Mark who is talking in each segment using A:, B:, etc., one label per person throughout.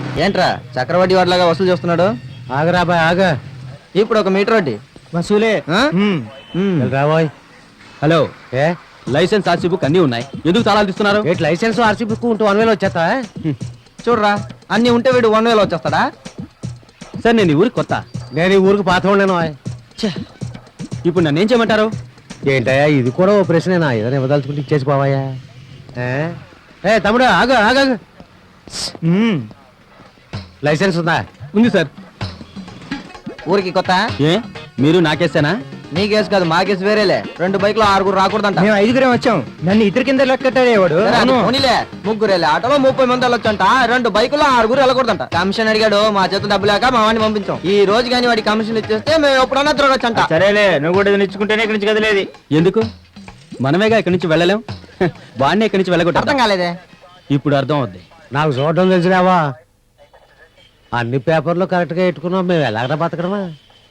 A: ఏంట్రా చక్రవడ్డీ వాడిలాగా వసూలు చేస్తున్నాడు?
B: ఆగరా బాయ్ ఆగ.
A: ఇప్పుడు ఒక మీటర్ వడ్డీ
B: వసూలే.
A: రాబోయ్.
C: హలో,
B: ఏ
C: లైసెన్స్ ఆర్సీ బుక్ అన్ని ఉన్నాయి, ఎందుకు తాళాలు తీస్తున్నారు?
B: ఏంటి లైసెన్స్ ఆర్సీ బుక్ ఉంటూ 1 వేలు వచ్చేస్తా?
A: చూడరా, అన్ని ఉంటే వీడు 1 వేలు వచ్చేస్తాడా?
C: సార్ నేను ఈ ఊరికి కొత్త.
B: నేను ఈ ఊరికి పాత ఉండేను.
C: ఇప్పుడు నన్ను ఏం చేయమంటారు?
B: ఏంటయ్యా ఇది కూడా ఓ ప్రశ్నేనా? ఏదైనా ఇవ్వదలుచుకుంటే ఇచ్చేసి పోవాయా? ఏ తమ్ముడు ఆగు ఆగు. లైసెన్స్ ఉందా?
C: ఉంది సార్.
A: ఊరికి కొత్త?
C: ఏ మీరు నాకేసానా?
A: నీ కేసు కాదు, మా కేసు వేరేలే. 2 బైకులు 6 రాకూడదంట.
B: మేము 5 వచ్చాం. నన్ను ఇద్దరు కింద లెక్కటాడేవాడు.
A: ముగ్గురేలే, ఆటోలో 30 మంది వెళ్ళొచ్చంట. 2 బైకులు 6 వెళ్ళకూడదంట. కమిషన్ అడిగాడు, మా చేతులు డబ్బు లేక మా వాడిని పంపించాం. ఈ రోజు కానీ వాడి కమిషన్ ఇచ్చేస్తే మేము ఎప్పుడన్నా తిరగొచ్చంట.
C: సరేలే, నువ్వు కూడా ఇచ్చుకుంటేనే ఇక్కడి నుంచి కదిలేదు. ఎందుకు? మనమేగా ఇక్కడి నుంచి వెళ్ళలేం, వాడిని ఇక్కడి నుంచి వెళ్ళకూడదు.
A: అర్థం కాలేదే?
C: ఇప్పుడు అర్థం అవుద్ది.
B: నాకు చూడడం తెలిసిరావా? అన్ని పేపర్లు కరెక్ట్గా పెట్టుకున్నావు, మేము ఎలాగ బతకడమా?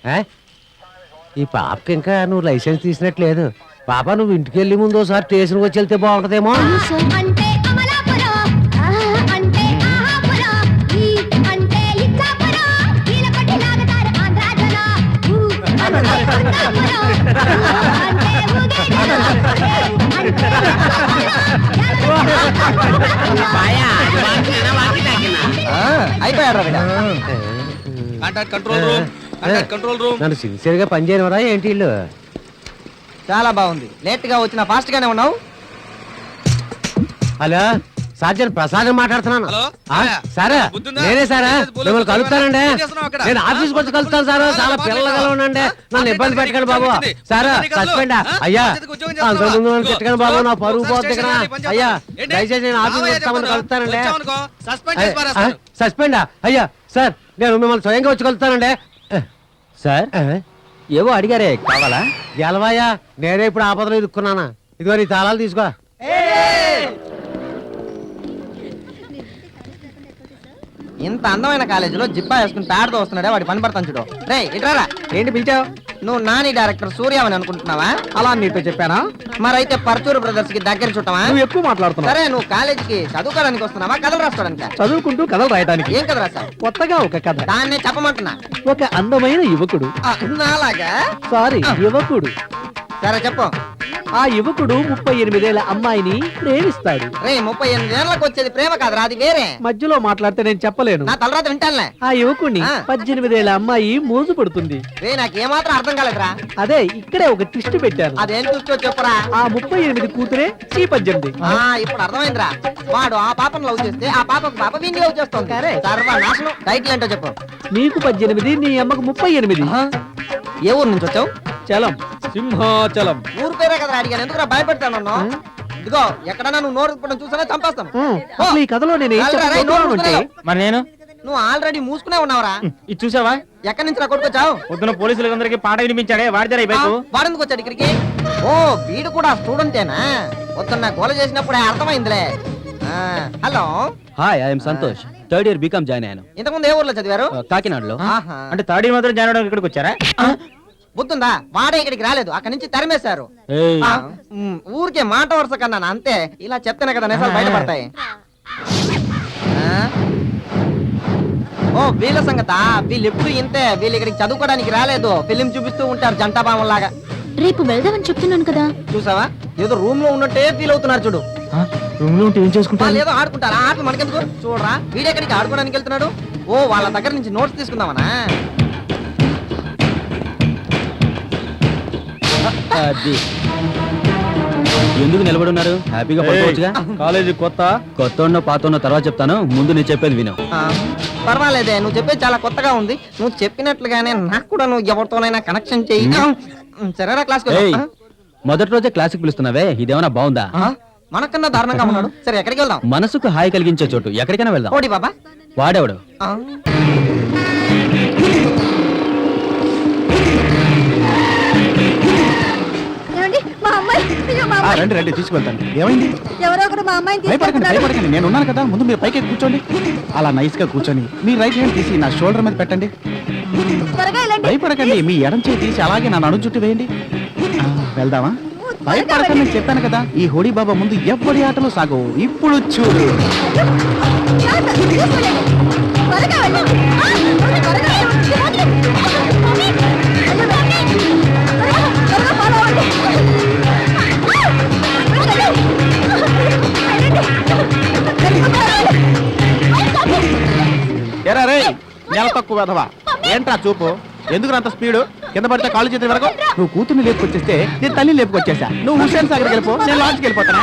B: ఈ పాపకి ఇంకా నువ్వు లైసెన్స్ తీసినట్లేదు. పాప నువ్వు ఇంటికి వెళ్ళి ముందు ఒకసారి స్టేషన్కి వచ్చి వెళ్తే బాగుంటదేమో.
A: అయిపోయాడు
B: నన్ను సిన్సియర్ గా పనిచేయనవరా ఏంటి ఇల్లు?
A: చాలా బాగుంది. లేట్ గా వచ్చిన ఫాస్ట్ గానే ఉన్నావు.
B: హలో సార్జన్ ప్రసాద్ మాట్లాడుతున్నాను. సారా నేనే సారా, మిమ్మల్ని కలుపుతానండి. నేను ఆఫీస్కి వచ్చి కలుస్తాను సార్. చాలా పిల్లలుగా ఉండండి, నన్ను ఇబ్బంది పెట్టకండి బాబు. సారా సస్పెండ్ అయ్యా, అంతకుముందు నన్ను తిట్టకండి బాబు, నా పరుగు పోతుంది ఇక్కడ. అయ్యా దయచేసి నేను ఆఫీస్కి వస్తామని కలుస్తానండి. సస్పెండా అయ్యా? సార్ నేను మిమ్మల్ని స్వయంగా వచ్చి కలుస్తానండి.
C: సార్ ఏవో అడిగారే, కావాలా?
B: గెలవాయా, నేనే ఇప్పుడు ఆపదలో ఇరుక్కున్నానా. ఇదిగో నీ తాళాలు తీసుకో.
A: ఇంత అందమైన కాలేజీలో జిబ్బా వేసుకుని ప్యాడ్తో వస్తున్నాడే వాడి పని పడతాను చూడు. రే ఇట్రారా. ఏంటి పిలిచావు? నువ్వు నాని డైరెక్టర్ సూర్యమని అనుకుంటున్నావా? అలా నీతో చెప్పానా? మరైతే పర్చూరు బ్రదర్స్ కి దగ్గర చుట్టమా? నువ్వు ఎక్కువ మాట్లాడుతున్నావు. సరే నువ్వు కాలేజీకి చదువుకోవడానికి వస్తున్నావా, కథలు రాసుకోవడానికి?
C: చదువుకుంటూ కథలు రాయడానికి.
A: ఏం కథ రాసావు?
C: కొత్తగా ఒక కథ.
A: దాన్నే చెప్పమంటున్నా.
C: ఒక అందమైన యువకుడు,
A: నాలాగా
C: సారీ యువకుడు.
A: సరే చెప్పు.
C: ఆ యువకుడు 38 ఏళ్ల అమ్మాయిని ప్రేమిస్తాడు.
A: రే 38 ఏళ్ళకి వచ్చేది ప్రేమ కాదురా, అది వేరే.
C: మధ్యలో మాట్లాడితే నేను చెప్పలేను.
A: నా తలరాత వింటానులే.
C: ఆ యువకుడిని 18 ఏళ్ల అమ్మాయి మోజు పడుతుంది.
A: రే నాకు ఏమాత్రం అర్థం కాలేదురా.
C: అదే ఇక్కడే ఒక ట్విస్ట్ పెట్టాను.
A: అదేం చూస్తూ చెప్పురా.
C: ఆ 38 కూతురే ఈ 18.
A: ఇప్పుడు అర్థమైందిరా. వాడు ఆ పాపను లవ్ చేస్తే ఆ పాపకు పాప వీడిని లవ్ చేస్తుంది. సర్వనాశనం. టైటిల్ ఏంటో చెప్పు.
C: నీకు 18, నీ అమ్మకు 38.
A: ఏ ఊరు నుంచి వచ్చావు?
C: చలం, సింహాచలం.
A: ఊరు పేరే కదా అడిగాను, ఎందుకు భయపెడతాను? ఇదిగో ఎక్కడన్నా నువ్వు నోరు తిప్పడం చూసానా చంపేస్తాను.
C: ఈ కథలో నేను మరి నేను
A: నువ్వు ఆల్రెడీ మూసుకునే ఉన్నావురా.
C: ఇది చూసావా?
A: ఎక్కడి నుంచి రా కొట్టుకొచ్చావు?
C: పొద్దున పోలీసులందరికీ పాట వినిపించాడే వాడిదారా ఈ బైకు.
A: వాడెందుకు వచ్చాడు ఇక్కడికి? ఓ వీడు కూడా స్టూడెంటేనా? పొద్దున్న గోల చేసినప్పుడే అర్థమైందిలే. Hello,
C: hi, I'm Santosh. 3rd year BCom join అయ్యాను.
A: ఇంతకుముందు ఏ ఊర్లో చదివారు?
C: కాకినాడలో. అంటే 3rd year మాత్రం జాయిన్ అవడానికి ఇక్కడికి వచ్చారా?
A: బుద్ధుందా? వాడే ఇక్కడికి రాలేదు, అక్కడి నుంచి తరిమేశారు. ఊరికే మాట వరుస కన్నా అంతే. ఇలా చెప్తేనే కదా నిజాలు బయటపడతాయి. ఓ వీళ్ళ సంగత, వీళ్ళు ఎప్పుడు ఇంతే. వీళ్ళు ఇక్కడికి చదువుకోవడానికి రాలేదు, ఫిలిం చూపిస్తూ ఉంటారు జంటాబామం లాగా.
D: రేపు వెళ్దామని చెప్తున్నాను కదా.
A: చూసావా, ఏదో రూమ్ లో ఉన్నట్టే ఫీల్ అవుతున్నారు చూడు.
C: రూమ్ లో ఉంటే ఏం చేసుకుంటారు?
A: ఏదో ఆడుకుంటారు. ఆటలు మనకెందుకు? చూడరా, వీడెక్కడికి ఆడుకోవడానికి వెళ్తున్నాడు. ఓ వాళ్ళ దగ్గర నుంచి నోట్స్ తీసుకుందామనా?
C: ఎందుకు నిలబడి ఉన్నారు? హ్యాపీగా పడుకోవచ్చుగా. కాలేజీ కొత్త ఉన్న పాత ఉన్న తర్వాత చెప్తాను, ముందు నేను చెప్పేది విను.
A: పర్వాలేదే, నువ్వు చెప్పేది చాలా కొత్తగా ఉంది. నువ్వు చెప్పినట్లుగానే నాకు కూడా నువ్వు ఎవరితోనైనా కనెక్షన్ చెయ్యి. సరేనా క్లాస్?
C: మొదటి రోజే క్లాస్కి పిలుస్తున్నావే, ఇదేమన్నా బాగుందా?
A: మనకన్నా దారుణంగా ఉన్నాడు. సరే ఎక్కడికి వెళ్దాం?
C: మనసుకు హాయి కలిగించే చోటు ఎక్కడికైనా వెళ్దాం.
A: ఓడి బాబా.
C: వాడేవాడు
E: రండి రండి తీసుకెళ్తాను. ఏమైంది?
D: ఎవరో ఒకరు మా అమ్మాయిని
E: భయపడకండి, నేను ఉన్నాను కదా. ముందు మీరు పైకి కూర్చోండి. అలా నైస్ గా కూర్చొని మీ రైట్ హ్యాండ్ తీసి నా షోల్డర్ మీద పెట్టండి. భయపడకండి, మీ ఎడం చేయి తీసి అలాగే నా నడుం చుట్టూ వేయండి. వెళ్దామా? భయపడకండి, నేను చెప్పాను కదా. ఈ హోడీ బాబా ముందు ఎవ్వడి ఆటలు సాగవు. ఇప్పుడు చూడు.
D: త్వరగా వెళ్ళు. త్వరగా వెళ్ళు. మమ్మీ! త్వరగా follow అవ్వండి.
E: ఎరా రే నెల తక్కువ వెధవా ఏంట్రా చూపు ఎందుకు అంత స్పీడు కింద పడితే కాళ్ళు చేతి వరకు నువ్వు కూతుర్ని లేపుకొచ్చేస్తే నేను తల్లి లేపుకొచ్చేసా నువ్వు హుస్సేన్ సాగర్కి వెళ్ళిపో నేను లాడ్జ్కి వెళ్ళిపోతానా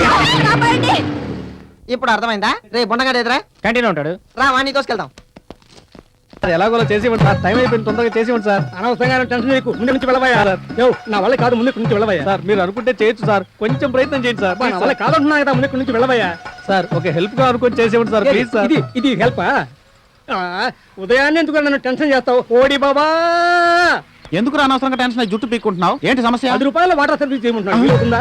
A: ఇప్పుడు అర్థమైందా? రే బుండగాడు ఎదురా
C: కంటిన్యూ ఉంటాడు
A: రా వాణ్ణి తోసుకెళ్దాం.
C: ఎలాగోలా చేసి ఇవ్వండి సార్, టైం అయిపోయింది, తొందరగా చేసి ఇవ్వండి సార్. అనవసరంగా టెన్షన్ నీకు ముందు నుంచి వెళ్ళబోయా నా వల్ల కాదు, ముందు నుంచి వెళ్ళబోయా సార్. మీరు అనుకుంటే చేయొచ్చు సార్, కొంచెం ప్రయత్నం చేయండి సార్. నా వల్ల కాదంటున్నా కదా, ముందు నుంచి వెళ్ళబోయా సార్. ఒక హెల్ప్ గా అనుకుని చేసి ఇవ్వండి సార్ ప్లీజ్ సార్. ఇది హెల్ప్ ఉదయాన్నే ఎందుకు నన్ను టెన్షన్ చేస్తావు? ఓడి బాబా
E: ఎందుకు అనవసరంగా టెన్షన్ జుట్టు పీక్కుంటున్నావు ఏంటి సమస్య?
C: 10 రూపాయల వాటర్ సర్వీస్ చేయమంటున్నా.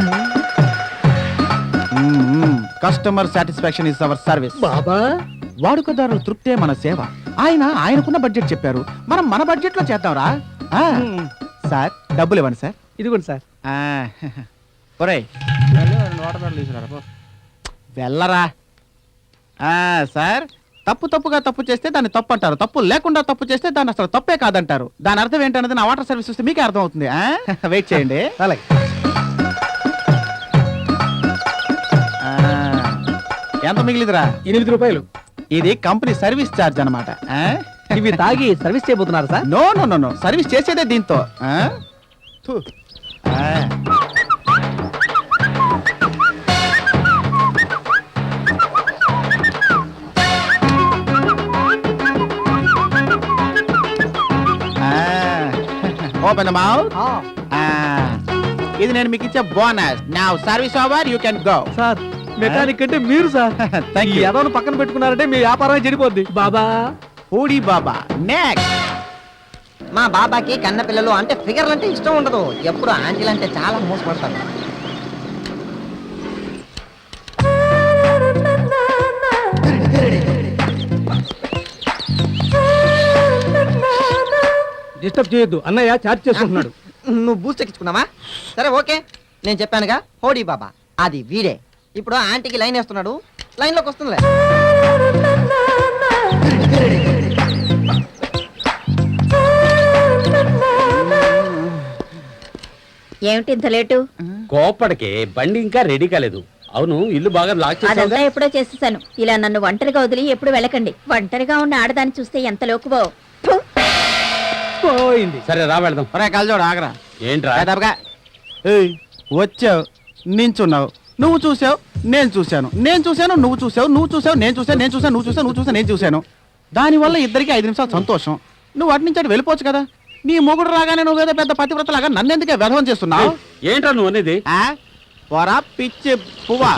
E: Customer satisfaction is our service.
C: బాబా
E: వాడుకదారుల తృప్తే మన సేవ. ఆయనకున్న బడ్జెట్ చెప్పారు, మనం మన బడ్జెట్ లో చేద్దాంరా. సార్ డబ్బులు ఇవ్వండి సార్.
C: ఇదిగోండి సార్.
E: ఒరేయ్ వెళ్ళరా. సార్ తప్పుగా తప్పు చేస్తే దాన్ని తప్పు అంటారు, తప్పు లేకుండా తప్పు చేస్తే దాన్ని అసలు తప్పే కాదంటారు. దాని అర్థం ఏంటన్నది నా వాటర్ సర్వీస్ వస్తే మీకే అర్థం అవుతుంది. వెయిట్ చేయండి.
C: అలాగే.
E: ఎంత మిగిలిదిరా?
C: 8 రూపాయలు.
E: ఇది కంపెనీ సర్వీస్ ఛార్జ్ అనమాట.
C: ఇవి తాగి సర్వీస్ చేయబోతున్నారు sir?
E: No no no no, service చేసేదే దీంతో. థు. Open the mouth. ఇది నేను మీకు ఇచ్చే bonus. Now service over, you can go.
C: Sir mechanic అంటే మీరు సార్.
E: Thank you.
C: ఏదో పక్కన పెట్టుకున్నారంటే మీ వ్యాపారం చెడిపోద్ది. బాబా
E: హూడీ బాబా నెక్స్ట్.
A: మా బాబాకి కన్న పిల్లలు అంటే ఫిగర్లు అంటే ఇష్టం ఉండదు, ఎప్పుడు ఆంటీలు అంటే చాలా మోసపడతారు.
C: డిస్టర్బ్ చేయొద్దు, అన్నయ్య చార్జ్ చేసుకుంటున్నాడు.
A: నువ్వు బూస్ట్ ఎక్కించుకున్నావా? సరే ఓకే, నేను చెప్పానుగా హోడీ బాబా, అది వీడే. ఇప్పుడు ఆంటీకి లైన్ వేస్తున్నాడు, లైన్లోకి వస్తుందిలే.
D: ఏమిటి ఇంత లేటు?
B: కోపడికే బండి ఇంకా రెడీ కాలేదు. అవును, ఇల్లు బాగా లాక్
D: అదంతా
B: చేసావుగా?
D: ఎప్పుడో చేసేసాను. ఇలా నన్ను ఒంటరిగా వదిలి ఎప్పుడు వెళ్ళకండి. ఒంటరిగా ఉన్న ఆడదాన్ని చూస్తే ఎంత లోకువో.
C: పోయింది.
B: సరే రా వెళ్దాం.
E: ఒరే కలజోడు ఆగరా.
B: ఏంట్రా?
E: ఏయ్ వచ్చావు, నించున్నావు, నువ్వు చూసావు, నేను చూశాను, నేను చూశాను, నువ్వు చూసావు, నువ్వు చూసావు, నేను చూసాను, నేను చూసాను, నువ్వు చూసావు, నువ్వు చూసావు, నేను చూశాను. దానివల్ల ఇద్దరికి 5 నిమిషాలు సంతోషం. నువ్వు అటు నుంచి అటు వెళ్ళిపోవచ్చు కదా. నీ మొగుడు రాగానే నువ్వు ఏదో పెద్ద పతివ్రతలాగా నన్ను ఎందుకే వ్యధవం చేస్తున్నావు?
B: ఏంట్రా నువ్వు అనేది?
E: పోరా పిచ్చి పువ్వా.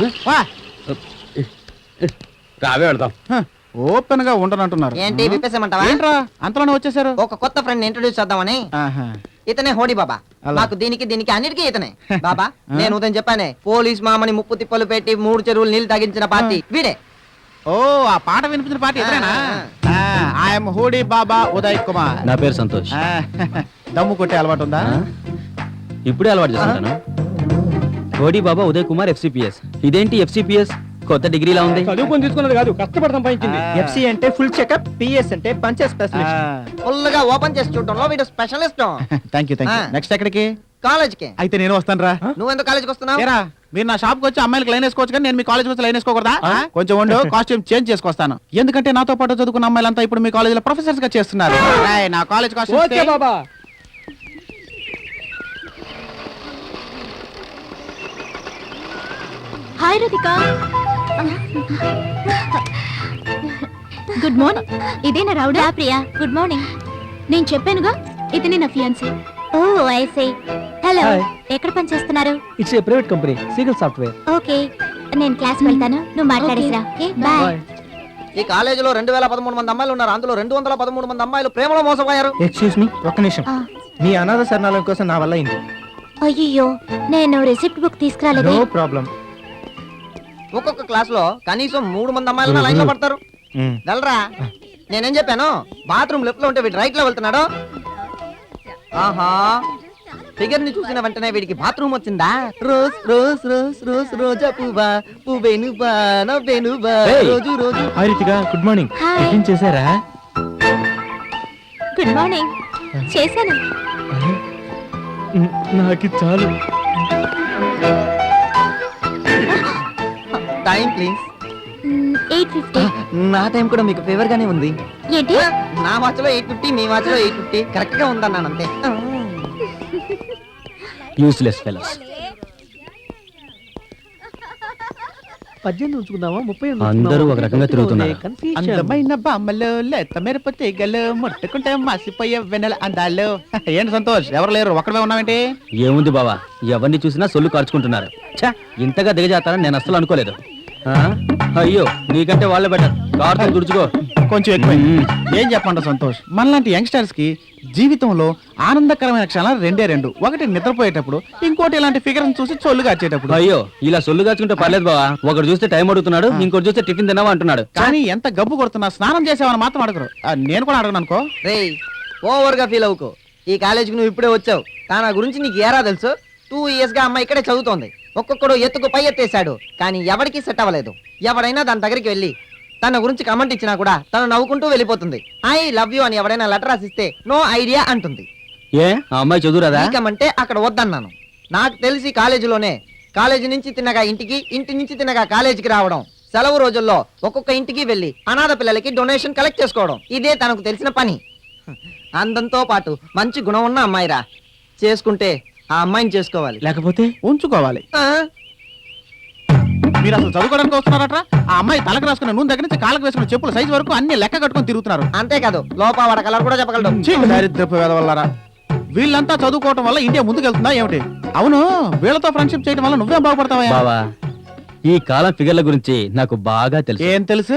B: రావే వెళ్దాం.
E: ఓపెన్ గా ఉండనంటున్నారు.
A: ఏంటి విప్పేసేమంటావా?
E: ఏంట్రా అంతలోనే వచ్చేసారు?
A: ఒక కొత్త ఫ్రెండ్ ఇంట్రొడ్యూస్ చేద్దామని.
E: ఆహా.
A: ఇతనే హోడీ బాబా.
E: అలా.
A: నాకు దీనికి అన్నిటికీ ఇతనే బాబా. నేను ఉదయం చెప్పానే, పోలీస్ మామని ముప్పు తిప్పలు పెట్టి 3 చెరువులు నీళ్లు తాగించిన పార్టీ వీడే.
E: ఓ ఆ పాట వినిపించిన పార్టీ ఎదురేనా? ఐఎమ్ హూడీ బాబా ఉదయ్ కుమార్.
C: నా పేరు సంతోష్.
E: దమ్ము కొట్టే అలవాటు ఉందా?
C: ఇప్పుడే అలవాటు చేసుకుంటాను. కోడి బాబా ఉదయ్ కుమార్ FCPS. ఇదేంటి FCPS? కొత్త డిగ్రీలా ఉంది.
B: చదువుకొని తీసుకున్నది కాదు, కష్టపడి సంపాదించింది.
C: FC అంటే ఫుల్ చెకప్, PS అంటే పంచే స్పెషలిస్ట్.
A: ఫుల్ గా ఓపెన్ చేసి చూడటంలో వీడు స్పెషలిస్ట్.
E: Thank you. నెక్స్ట్ ఎక్కడికి?
A: కాలేజ్కి.
E: అయితే నేను వస్తాను రా.
A: నువ్వెందుకు కాలేజ్కి వస్తున్నావు?
E: ఏరా మీరు నా షాప్కి వచ్చి అమ్మాయిలకు లైన్ వేసుకోవచ్చు కానీ నేను మీ కాలేజ్కి వచ్చి లైన్ వేసుకోకూడదా? కొంచెం ఉండు, కాస్ట్యూమ్ చేంజ్ చేసుకొస్తాను. ఎందుకంటే నాతో పాటు చదువుకున్న అమ్మాయిలంతా ఇప్పుడు మీ కాలేజీలో ప్రొఫెసర్స్ గా చేస్తున్నారు. రాయ్, నా కాలేజ్
B: ఓకే
E: కాస్ట్యూమ్.
B: బాబా.
D: హాయ్ రతిక. Good morning. ఇదే నా రౌడా ప్రియా. Good morning. నేను చెప్పానుగా, ఇతనే నా fiance. Oh I see. Hello,
C: Hi.
D: ఎక్కడ పని చేస్తున్నారు?
C: It's a private company, Seagull software.
D: Okay, నేను క్లాస్ వెళ్తాను, నువ్వు మాట్లాడేసిరా. Okay bye.
A: ఈ కాలేజీలో 2013 మంది అమ్మాయిలు ఉన్నారు, అందులో 213 మంది అమ్మాయిలు ప్రేమలో మోసపోయారు.
C: ఎక్స్క్యూజ్ మీ, ఒక్క నిమిషం. మీ అనాథ శరణాలయం కోసం నా వల్ల అయింది.
D: అయ్యో, నేను రిసిప్ట్ బుక్ తీసుకురాలేదు.
C: No problem.
A: ఒక్కొక్క క్లాస్ లో కనీసం 3 మంది అమ్మాయిలు లైన్ లో పడతారు. వెళ్ళరా. నేనేం చెప్పాను? బాత్రూమ్ లెఫ్ట్ లో ఉంటే వీడు రైట్ లో వెళ్తున్నాడు. ఆహా, ఫిగర్ ని చూసిన వెంటనే వీడికి బాత్రూమ్ వచ్చిందా? రోజ్ రోజ్ రోజ్ రోజ్ రోజా పువ్వా పువ్వేనువా నవ్వేనువా రోజు రోజు.
C: Good morning.
D: Hi.
C: టిఫిన్ చేశారా?
D: Good morning. చేశాను.
C: నాకు చాలు.
A: Time please.
D: 8:50.
A: నా టైం కూడా మీకు ఫేవర్ గానే ఉంది.
D: ఏంటి?
A: నా వాచ్ లో 8:50, మీ వాచ్ లో 8:50 కరెక్ట్ గా ఉందన్నాను అంతే.
B: Useless fellows.
C: 18 ఉంచుకుందామా 30
B: అందరూ ఒక రకంగా తిరుగుతున్నారు.
E: అందమైన బామ్మలు లేత మెరుపు తీగలు ముట్టుకుంటే మాసిపోయే వెన్నెల అందాలు. ఏంటి సంతోష్, ఎవరు లేరు, ఒక్కడే ఉన్నావేంటి?
B: ఏముంది బావా, ఎవరిని చూసినా సొల్లు కార్చుకుంటున్నారు. ఛా, ఇంతగా దిగజాతారని నేను అస్సలు అనుకోలేదు. ఆ? అయ్యో, నీకంటే వాళ్ళే బెటర్. కార్తో తుడుచుకో.
E: కొంచెం ఎక్కువ. ఏం చెప్పండి సంతోష్, మనలాంటి యంగ్స్టర్స్ కి జీవితంలో ఆనందకరమైన క్షణాలు రెండే రెండు. ఒకటి నిద్రపోయేటప్పుడు, ఇంకోటి ఇలాంటి ఫిగర్ చూసి చొల్లుగా వచ్చేటప్పుడు.
B: అయ్యో, ఇలా సొల్లు కాచుకుంటే పర్లేదు బావా. ఒకటి చూస్తే టైం అడుగుతున్నాడు, ఇంకోటి చూస్తే టిఫిన్ తిన్నావా అంటున్నాడు.
E: కానీ ఎంత గబ్బు కొడుతున్నా స్నానం చేసావని మాత్రం అడగరు. నేను కూడా అడగను అనుకో.
A: రేయ్, ఓవర్ గా ఫీల్ అవుకో. ఈ కాలేజీకి నువ్వు ఇప్పుడే వచ్చావు. తన గురించి నీకు ఏరా తెలుసు? 2 years గా అమ్మాయి ఇక్కడే చదువుతోంది. ఒక్కొక్కడు ఎత్తుకు పై ఎత్తేసాడు, కానీ ఎవరికి సెట్ అవ్వలేదు. ఎవడైనా దాని దగ్గరికి వెళ్ళి తన గురించి కమెంట్ ఇచ్చినా కూడా తను నవ్వుకుంటూ వెళ్ళిపోతుంది. ఐ లవ్ యూ అని ఎవడైనా లెటర్ రాసిస్తే నో ఐడియా అంటుంది.
B: ఏ, ఆ అమ్మాయి చదువురాదా?
A: అంటే అక్కడ వద్దన్నాను. నాకు తెలిసి కాలేజీ నుంచి తిన్నగా ఇంటికి, ఇంటి నుంచి తిన్నగా కాలేజీకి రావడం, సెలవు రోజుల్లో ఒక్కొక్క ఇంటికి వెళ్ళి అనాథ పిల్లలకి డొనేషన్ కలెక్ట్ చేసుకోవడం, ఇదే తనకు తెలిసిన పని. అందంతో పాటు మంచి గుణం ఉన్న అమ్మాయిరా. చేసుకుంటే ఆ అమ్మాయిని చేసుకోవాలి,
C: లేకపోతే
E: ఉంచుకోవాలి.
A: ఆ?
E: మీరు అసలు చదువుకోవడానికి వస్తున్నారట? ఆ అమ్మాయి తలకు రాసుకున్న నూనె దగ్గర నుంచి కాళ్ళకు వేసుకున్న చెప్పుల సైజు వరకు అన్ని లెక్క కట్టుకొని తిరుగుతున్నారు.
A: అంతేకాదు, లోపావాడ కలర్ కూడా చెప్పగలడు.
E: దారిద్రపు వేదవల్లారా. వీళ్ళంతా చదువుకోవటం వల్ల ఇండియా ముందుకెళ్తుందా ఏమిటి? అవును, వీళ్ళతో ఫ్రెండ్షిప్ చేయడం వల్ల నువ్వేం బాగుపడతావా?
B: బావా, ఈ కాలం ఫిగర్ల గురించి నాకు బాగా తెలుసు.
E: ఏం తెలుసు?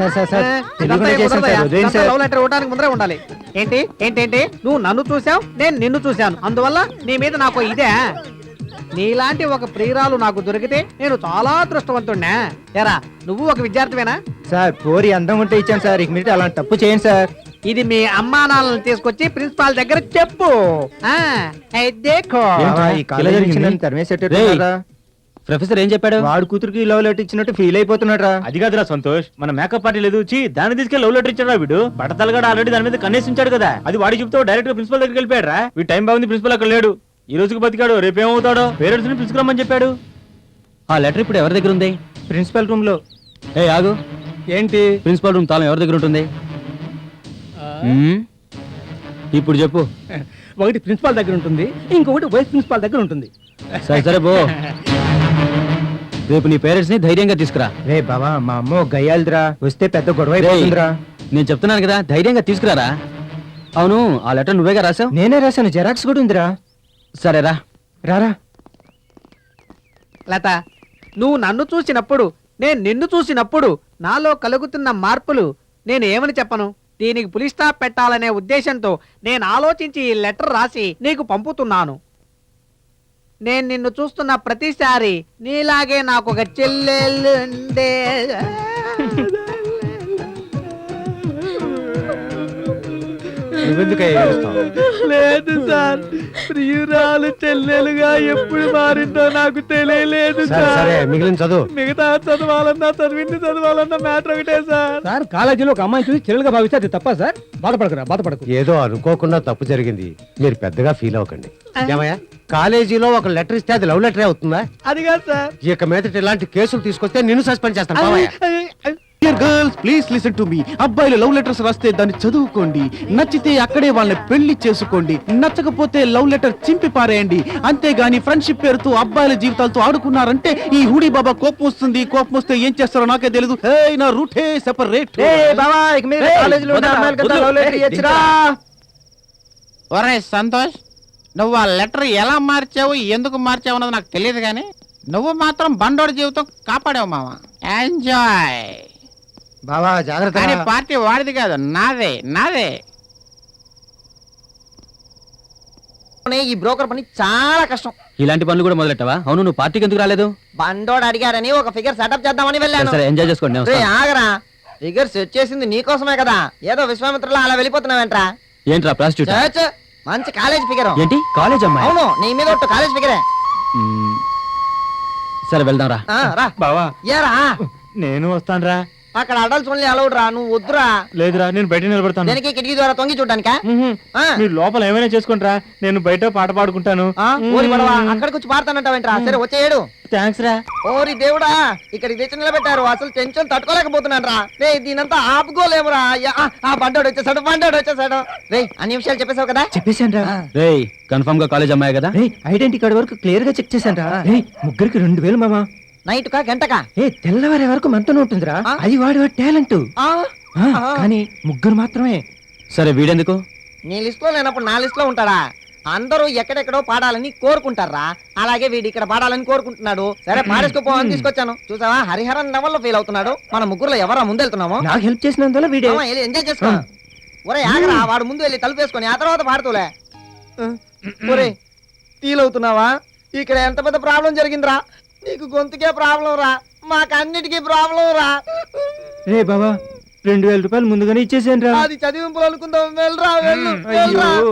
C: లవ్ లెటర్ ఇవ్వడానికి ముందరే ఉండాలి. ఏంటి ఏంటేంటి నువ్వు నన్ను చూసావు, నేను నిన్ను చూశాను, అందువల్ల నీ మీద నాకు ఇదే. నీలాంటి ఒక ప్రియురాలు నాకు దొరికితే నేను చాలా అదృష్టవంతుడినా. ఎరా, నువ్వు ఒక విద్యార్థివేనా?
A: సార్, పోరి అందం ఉంటే ఇచ్చాను సార్. ఇక మీరు అలాంటి తప్పు చేయండి సార్.
C: ఇది మీ అమ్మా నాన్నలను తీసుకొచ్చి ప్రిన్సిపాల్ దగ్గర చెప్పు.
B: ప్రొఫెసర్ ఏం చెప్పాడు?
A: వాడు కూతురికి లవ్ లెటర్ ఇచ్చినట్టు ఫీల్ అయిపోతున్నాడు రా.
F: అది కాదురా సంతోష్, మన మేకప్ పార్టీ లేదు దాన్ని తీసుకెళ్ళి లవ్ లెటర్ ఇచ్చాడు వీడు. బట్టతలగాడు ఆల్రెడీ దాని మీద కన్నేసించాడు కదా, అది వాడి చెప్తే డైరెక్ట్ గా ప్రిన్సిపల్ దగ్గరికి వెళ్ళిపోయాడు రా. వీడి టైం బాగుంది, ప్రిన్సిపల్ అక్కడ లేడు, ఈ రోజుకి బతికాడు, రేపు ఏమవుతాడో పేరెంట్స్ ని పిలుచుకురమ్మని చెప్పాడు.
B: ఆ లెటర్ ఇప్పుడు ఎవరి దగ్గర ఉంది?
A: ప్రిన్సిపల్ రూమ్ లో.
B: ఏ ఆగు,
C: ఏంటి?
B: ప్రిన్సిపల్ రూమ్ తాళం ఎవరి దగ్గర ఉంటుంది? ఇప్పుడు చెప్పు.
C: ఒకటి ప్రిన్సిపాల్ దగ్గర ఉంటుంది, ఇంకొకటి వైస్ ప్రిన్సిపాల్ దగ్గర ఉంటుంది.
B: సరే సరే పో. రేపు నీ పేరెంట్స్ ని ధైర్యంగా తీసుకురా.
A: రే బాబా, మా అమ్మ గయ్యాలిదిరా, వస్తే పెద్ద గొడవ అయిపోతుందిరా.
B: నేను చెప్తున్నాను కదా, ధైర్యంగా తీసుకురారా. అవును, ఆ లెటర్ నువ్వేగా రాసావు?
A: నేనే రాశాను, జెరాక్స్ కూడా ఉందిరా.
B: సరేరా,
A: రారా.
C: లత, నువ్వు నన్ను చూసినప్పుడు, నేను నిన్ను చూసినప్పుడు నాలో కలుగుతున్న మార్పులు నేను ఏమని చెప్పను? దీనికి పులి స్టాప్ పెట్టాలనే ఉద్దేశంతో నేను ఆలోచించి ఈ లెటర్ రాసి నీకు పంపుతున్నాను. నేను నిన్ను చూస్తున్న ప్రతిసారి నీలాగే నాకు ఒక చెల్లెలుండే. లేదు సార్, ప్రియురాలు చెల్లెలుగా ఎప్పుడు మారిందో నాకు తెలియలేదు సార్.
B: మిగిలిన చదువు
C: మిగతా చదవాలన్నా మ్యాటర్ ఒకటే సార్. సార్, కాలేజీలో ఒక అమ్మాయిని చూసి చెల్లెలుగా భావిస్తే అది తప్ప సార్? బాధపడకు.
G: ఏదో అనుకోకుండా తప్పు జరిగింది, మీరు పెద్దగా ఫీల్ అవ్వకండి. ఏమయ్యా, కాలేజీలో ఒక లెటర్ ఇస్తే అది లవ్ లెటరే అవుతుందా?
C: అది కాదు సార్.
G: ఇక మీదట ఇలాంటి కేసులు తీసుకొస్తే నిన్ను సస్పెండ్ చేస్తాను. పోవయ్యా.
E: Dear girls, please listen to me. అబ్బాయిలు లవ్ లెటర్స్ రాస్తే దాన్ని చదువుకోండి, నచ్చితే అక్కడే వాళ్ళని పెళ్లి చేసుకోండి, నచ్చకపోతే లవ్ లెటర్ చింపి పారేయండి. అంతేగాని ఫ్రెండ్షిప్ పేరుతో అబ్బాయిల జీవితాలతో ఆడుకున్నారంటే ఈ హుడీ బాబా కోపం వస్తుంది. కోపం వస్తే ఏం చేస్తారో నాకే తెలియదు. నా రూటే సెపరేట్. ఒరే సంతోష్, నువ్వు ఆ లెటర్ ఎలా మార్చావు, ఎందుకు మార్చావు అన్నది నాకు తెలియదు, కానీ నువ్వు మాత్రం బండోడి జీవితం కాపాడావు మామ. ఎంజాయ్
A: బావా, జాగ్రత్త.
E: కానీ పార్టీ వాడిది కాదు, నాదే.
A: ఈ బ్రోకర్ పని చాలా కష్టం.
B: ఇలాంటి పనులు కూడా మొదలెట్టవా? అవును, నువ్వు పార్టీకి ఎందుకు రాలేదు?
A: బండోడు అడిగారని ఒక ఫిగర్ సెటప్ చేద్దామని వెళ్ళాను.
B: సరే, ఎంజాయ్ చేసుకోండి. నేను
A: రే
B: వస్తాను.
A: ఆగరా, ఫిగర్ సెట్ చేసింది నీకోసమే కదా, ఏదో విశ్వామిత్రలా అలా వెళ్ళిపోతున్నావేంట్రా?
B: ఏంట్రా ప్రాస్టిట్యూట్?
A: చచ్చ, మంచి కాలేజ్ ఫిగర్.
F: ఏంటి కాలేజ్ అమ్మాయి?
A: అవును, నీ మీద ఒట్టు కాలేజ్ ఫిగరే.
F: సరే వెళ్దాం రా.
A: రా
F: బావా
A: ఏరా,
F: నేను వస్తాను రా.
A: అక్కడ అడల్ట్స్ ఓన్లీ అలౌడ్ రా, నువ్వు వద్దురా.
F: లేదురా, నేను బయట నిలబడతాను.
A: దేనికి? కిటికీ ద్వారా తొంగి చూడడానికా?
F: మీరు లోపల ఏమైనా చేసుకుంటారా, నేను బయట పాట పాడుకుంటాను.
A: ఓరి పడవా, అక్కడికి వచ్చి పాడతానంటావేంట్రా? సరే వచ్చేయడు.
F: థ్యాంక్స్ రా.
A: ఓరి దేవుడా, ఇక్కడికి తెచ్చి నిలబెట్టారు, అసలు టెన్షన్ తట్టుకోలేకపోతున్నాను రా. రే దీనంతా ఆపుకోలేమురా. ఆ బండోడు వచ్చేసాడు. రే అన్ని విషయాలు చెప్పేశావు కదా?
C: చెప్పేశాను రా.
F: రేయ్ కన్ఫర్మ్ గా కాలేజ్ అమ్మాయి కదా?
C: ఐడెంటిటీ కార్డు వరకు క్లియర్ గా చెక్ చేశాను రా. ముగ్గురికి 2000 మామా.
A: నైట్ కా గంటకా?
C: తెల్లవారే వరకు మనతోనే ఉంటుందిరా. అది వాడి టాలెంట్. కానీ ముగ్గురు మాత్రమే.
F: సరే వీడెందుకు?
A: నీ లిస్ట్ లో లేనప్పుడు నా లిస్ట్ లో ఉంటాడా? అందరూ ఎక్కడెక్కడో పాడాలని కోరుకుంటారా, అలాగే వీడు ఇక్కడ పాడాలని కోరుకుంటున్నాడు. సరే పాడేసుకోపో అని తీసుకొచ్చాను. చూసావా, హరిహరన్ లెవెల్లో ఫీల్ అవుతున్నాడు. మన ముగ్గురులో ఎవరా ముందెళ్తున్నామో?
C: నాకు హెల్ప్ చేసినందువల్ల వీడే.
A: ఎంజాయ్ చేసుకో. ఒరే ఆగరా, వాడు ముందు వెళ్ళి తలుపు వేసుకొని ఆ తర్వాత పాడుతూలే. ఒరే ఫీల్ అవుతున్నావా? ఇక్కడ ఎంత పెద్ద ప్రాబ్లం జరిగిందిరా. నీకు గొంతుకే ప్రాబ్లం రా, మాకన్నిటికీ ప్రాబ్లం రా.
C: రే బాబా, 2000 రూపాయలు ముందుగానే ఇచ్చేసాను రా.
A: అది చదివింపులు అనుకుందాం. వెళ్ళరా వెళ్ళు.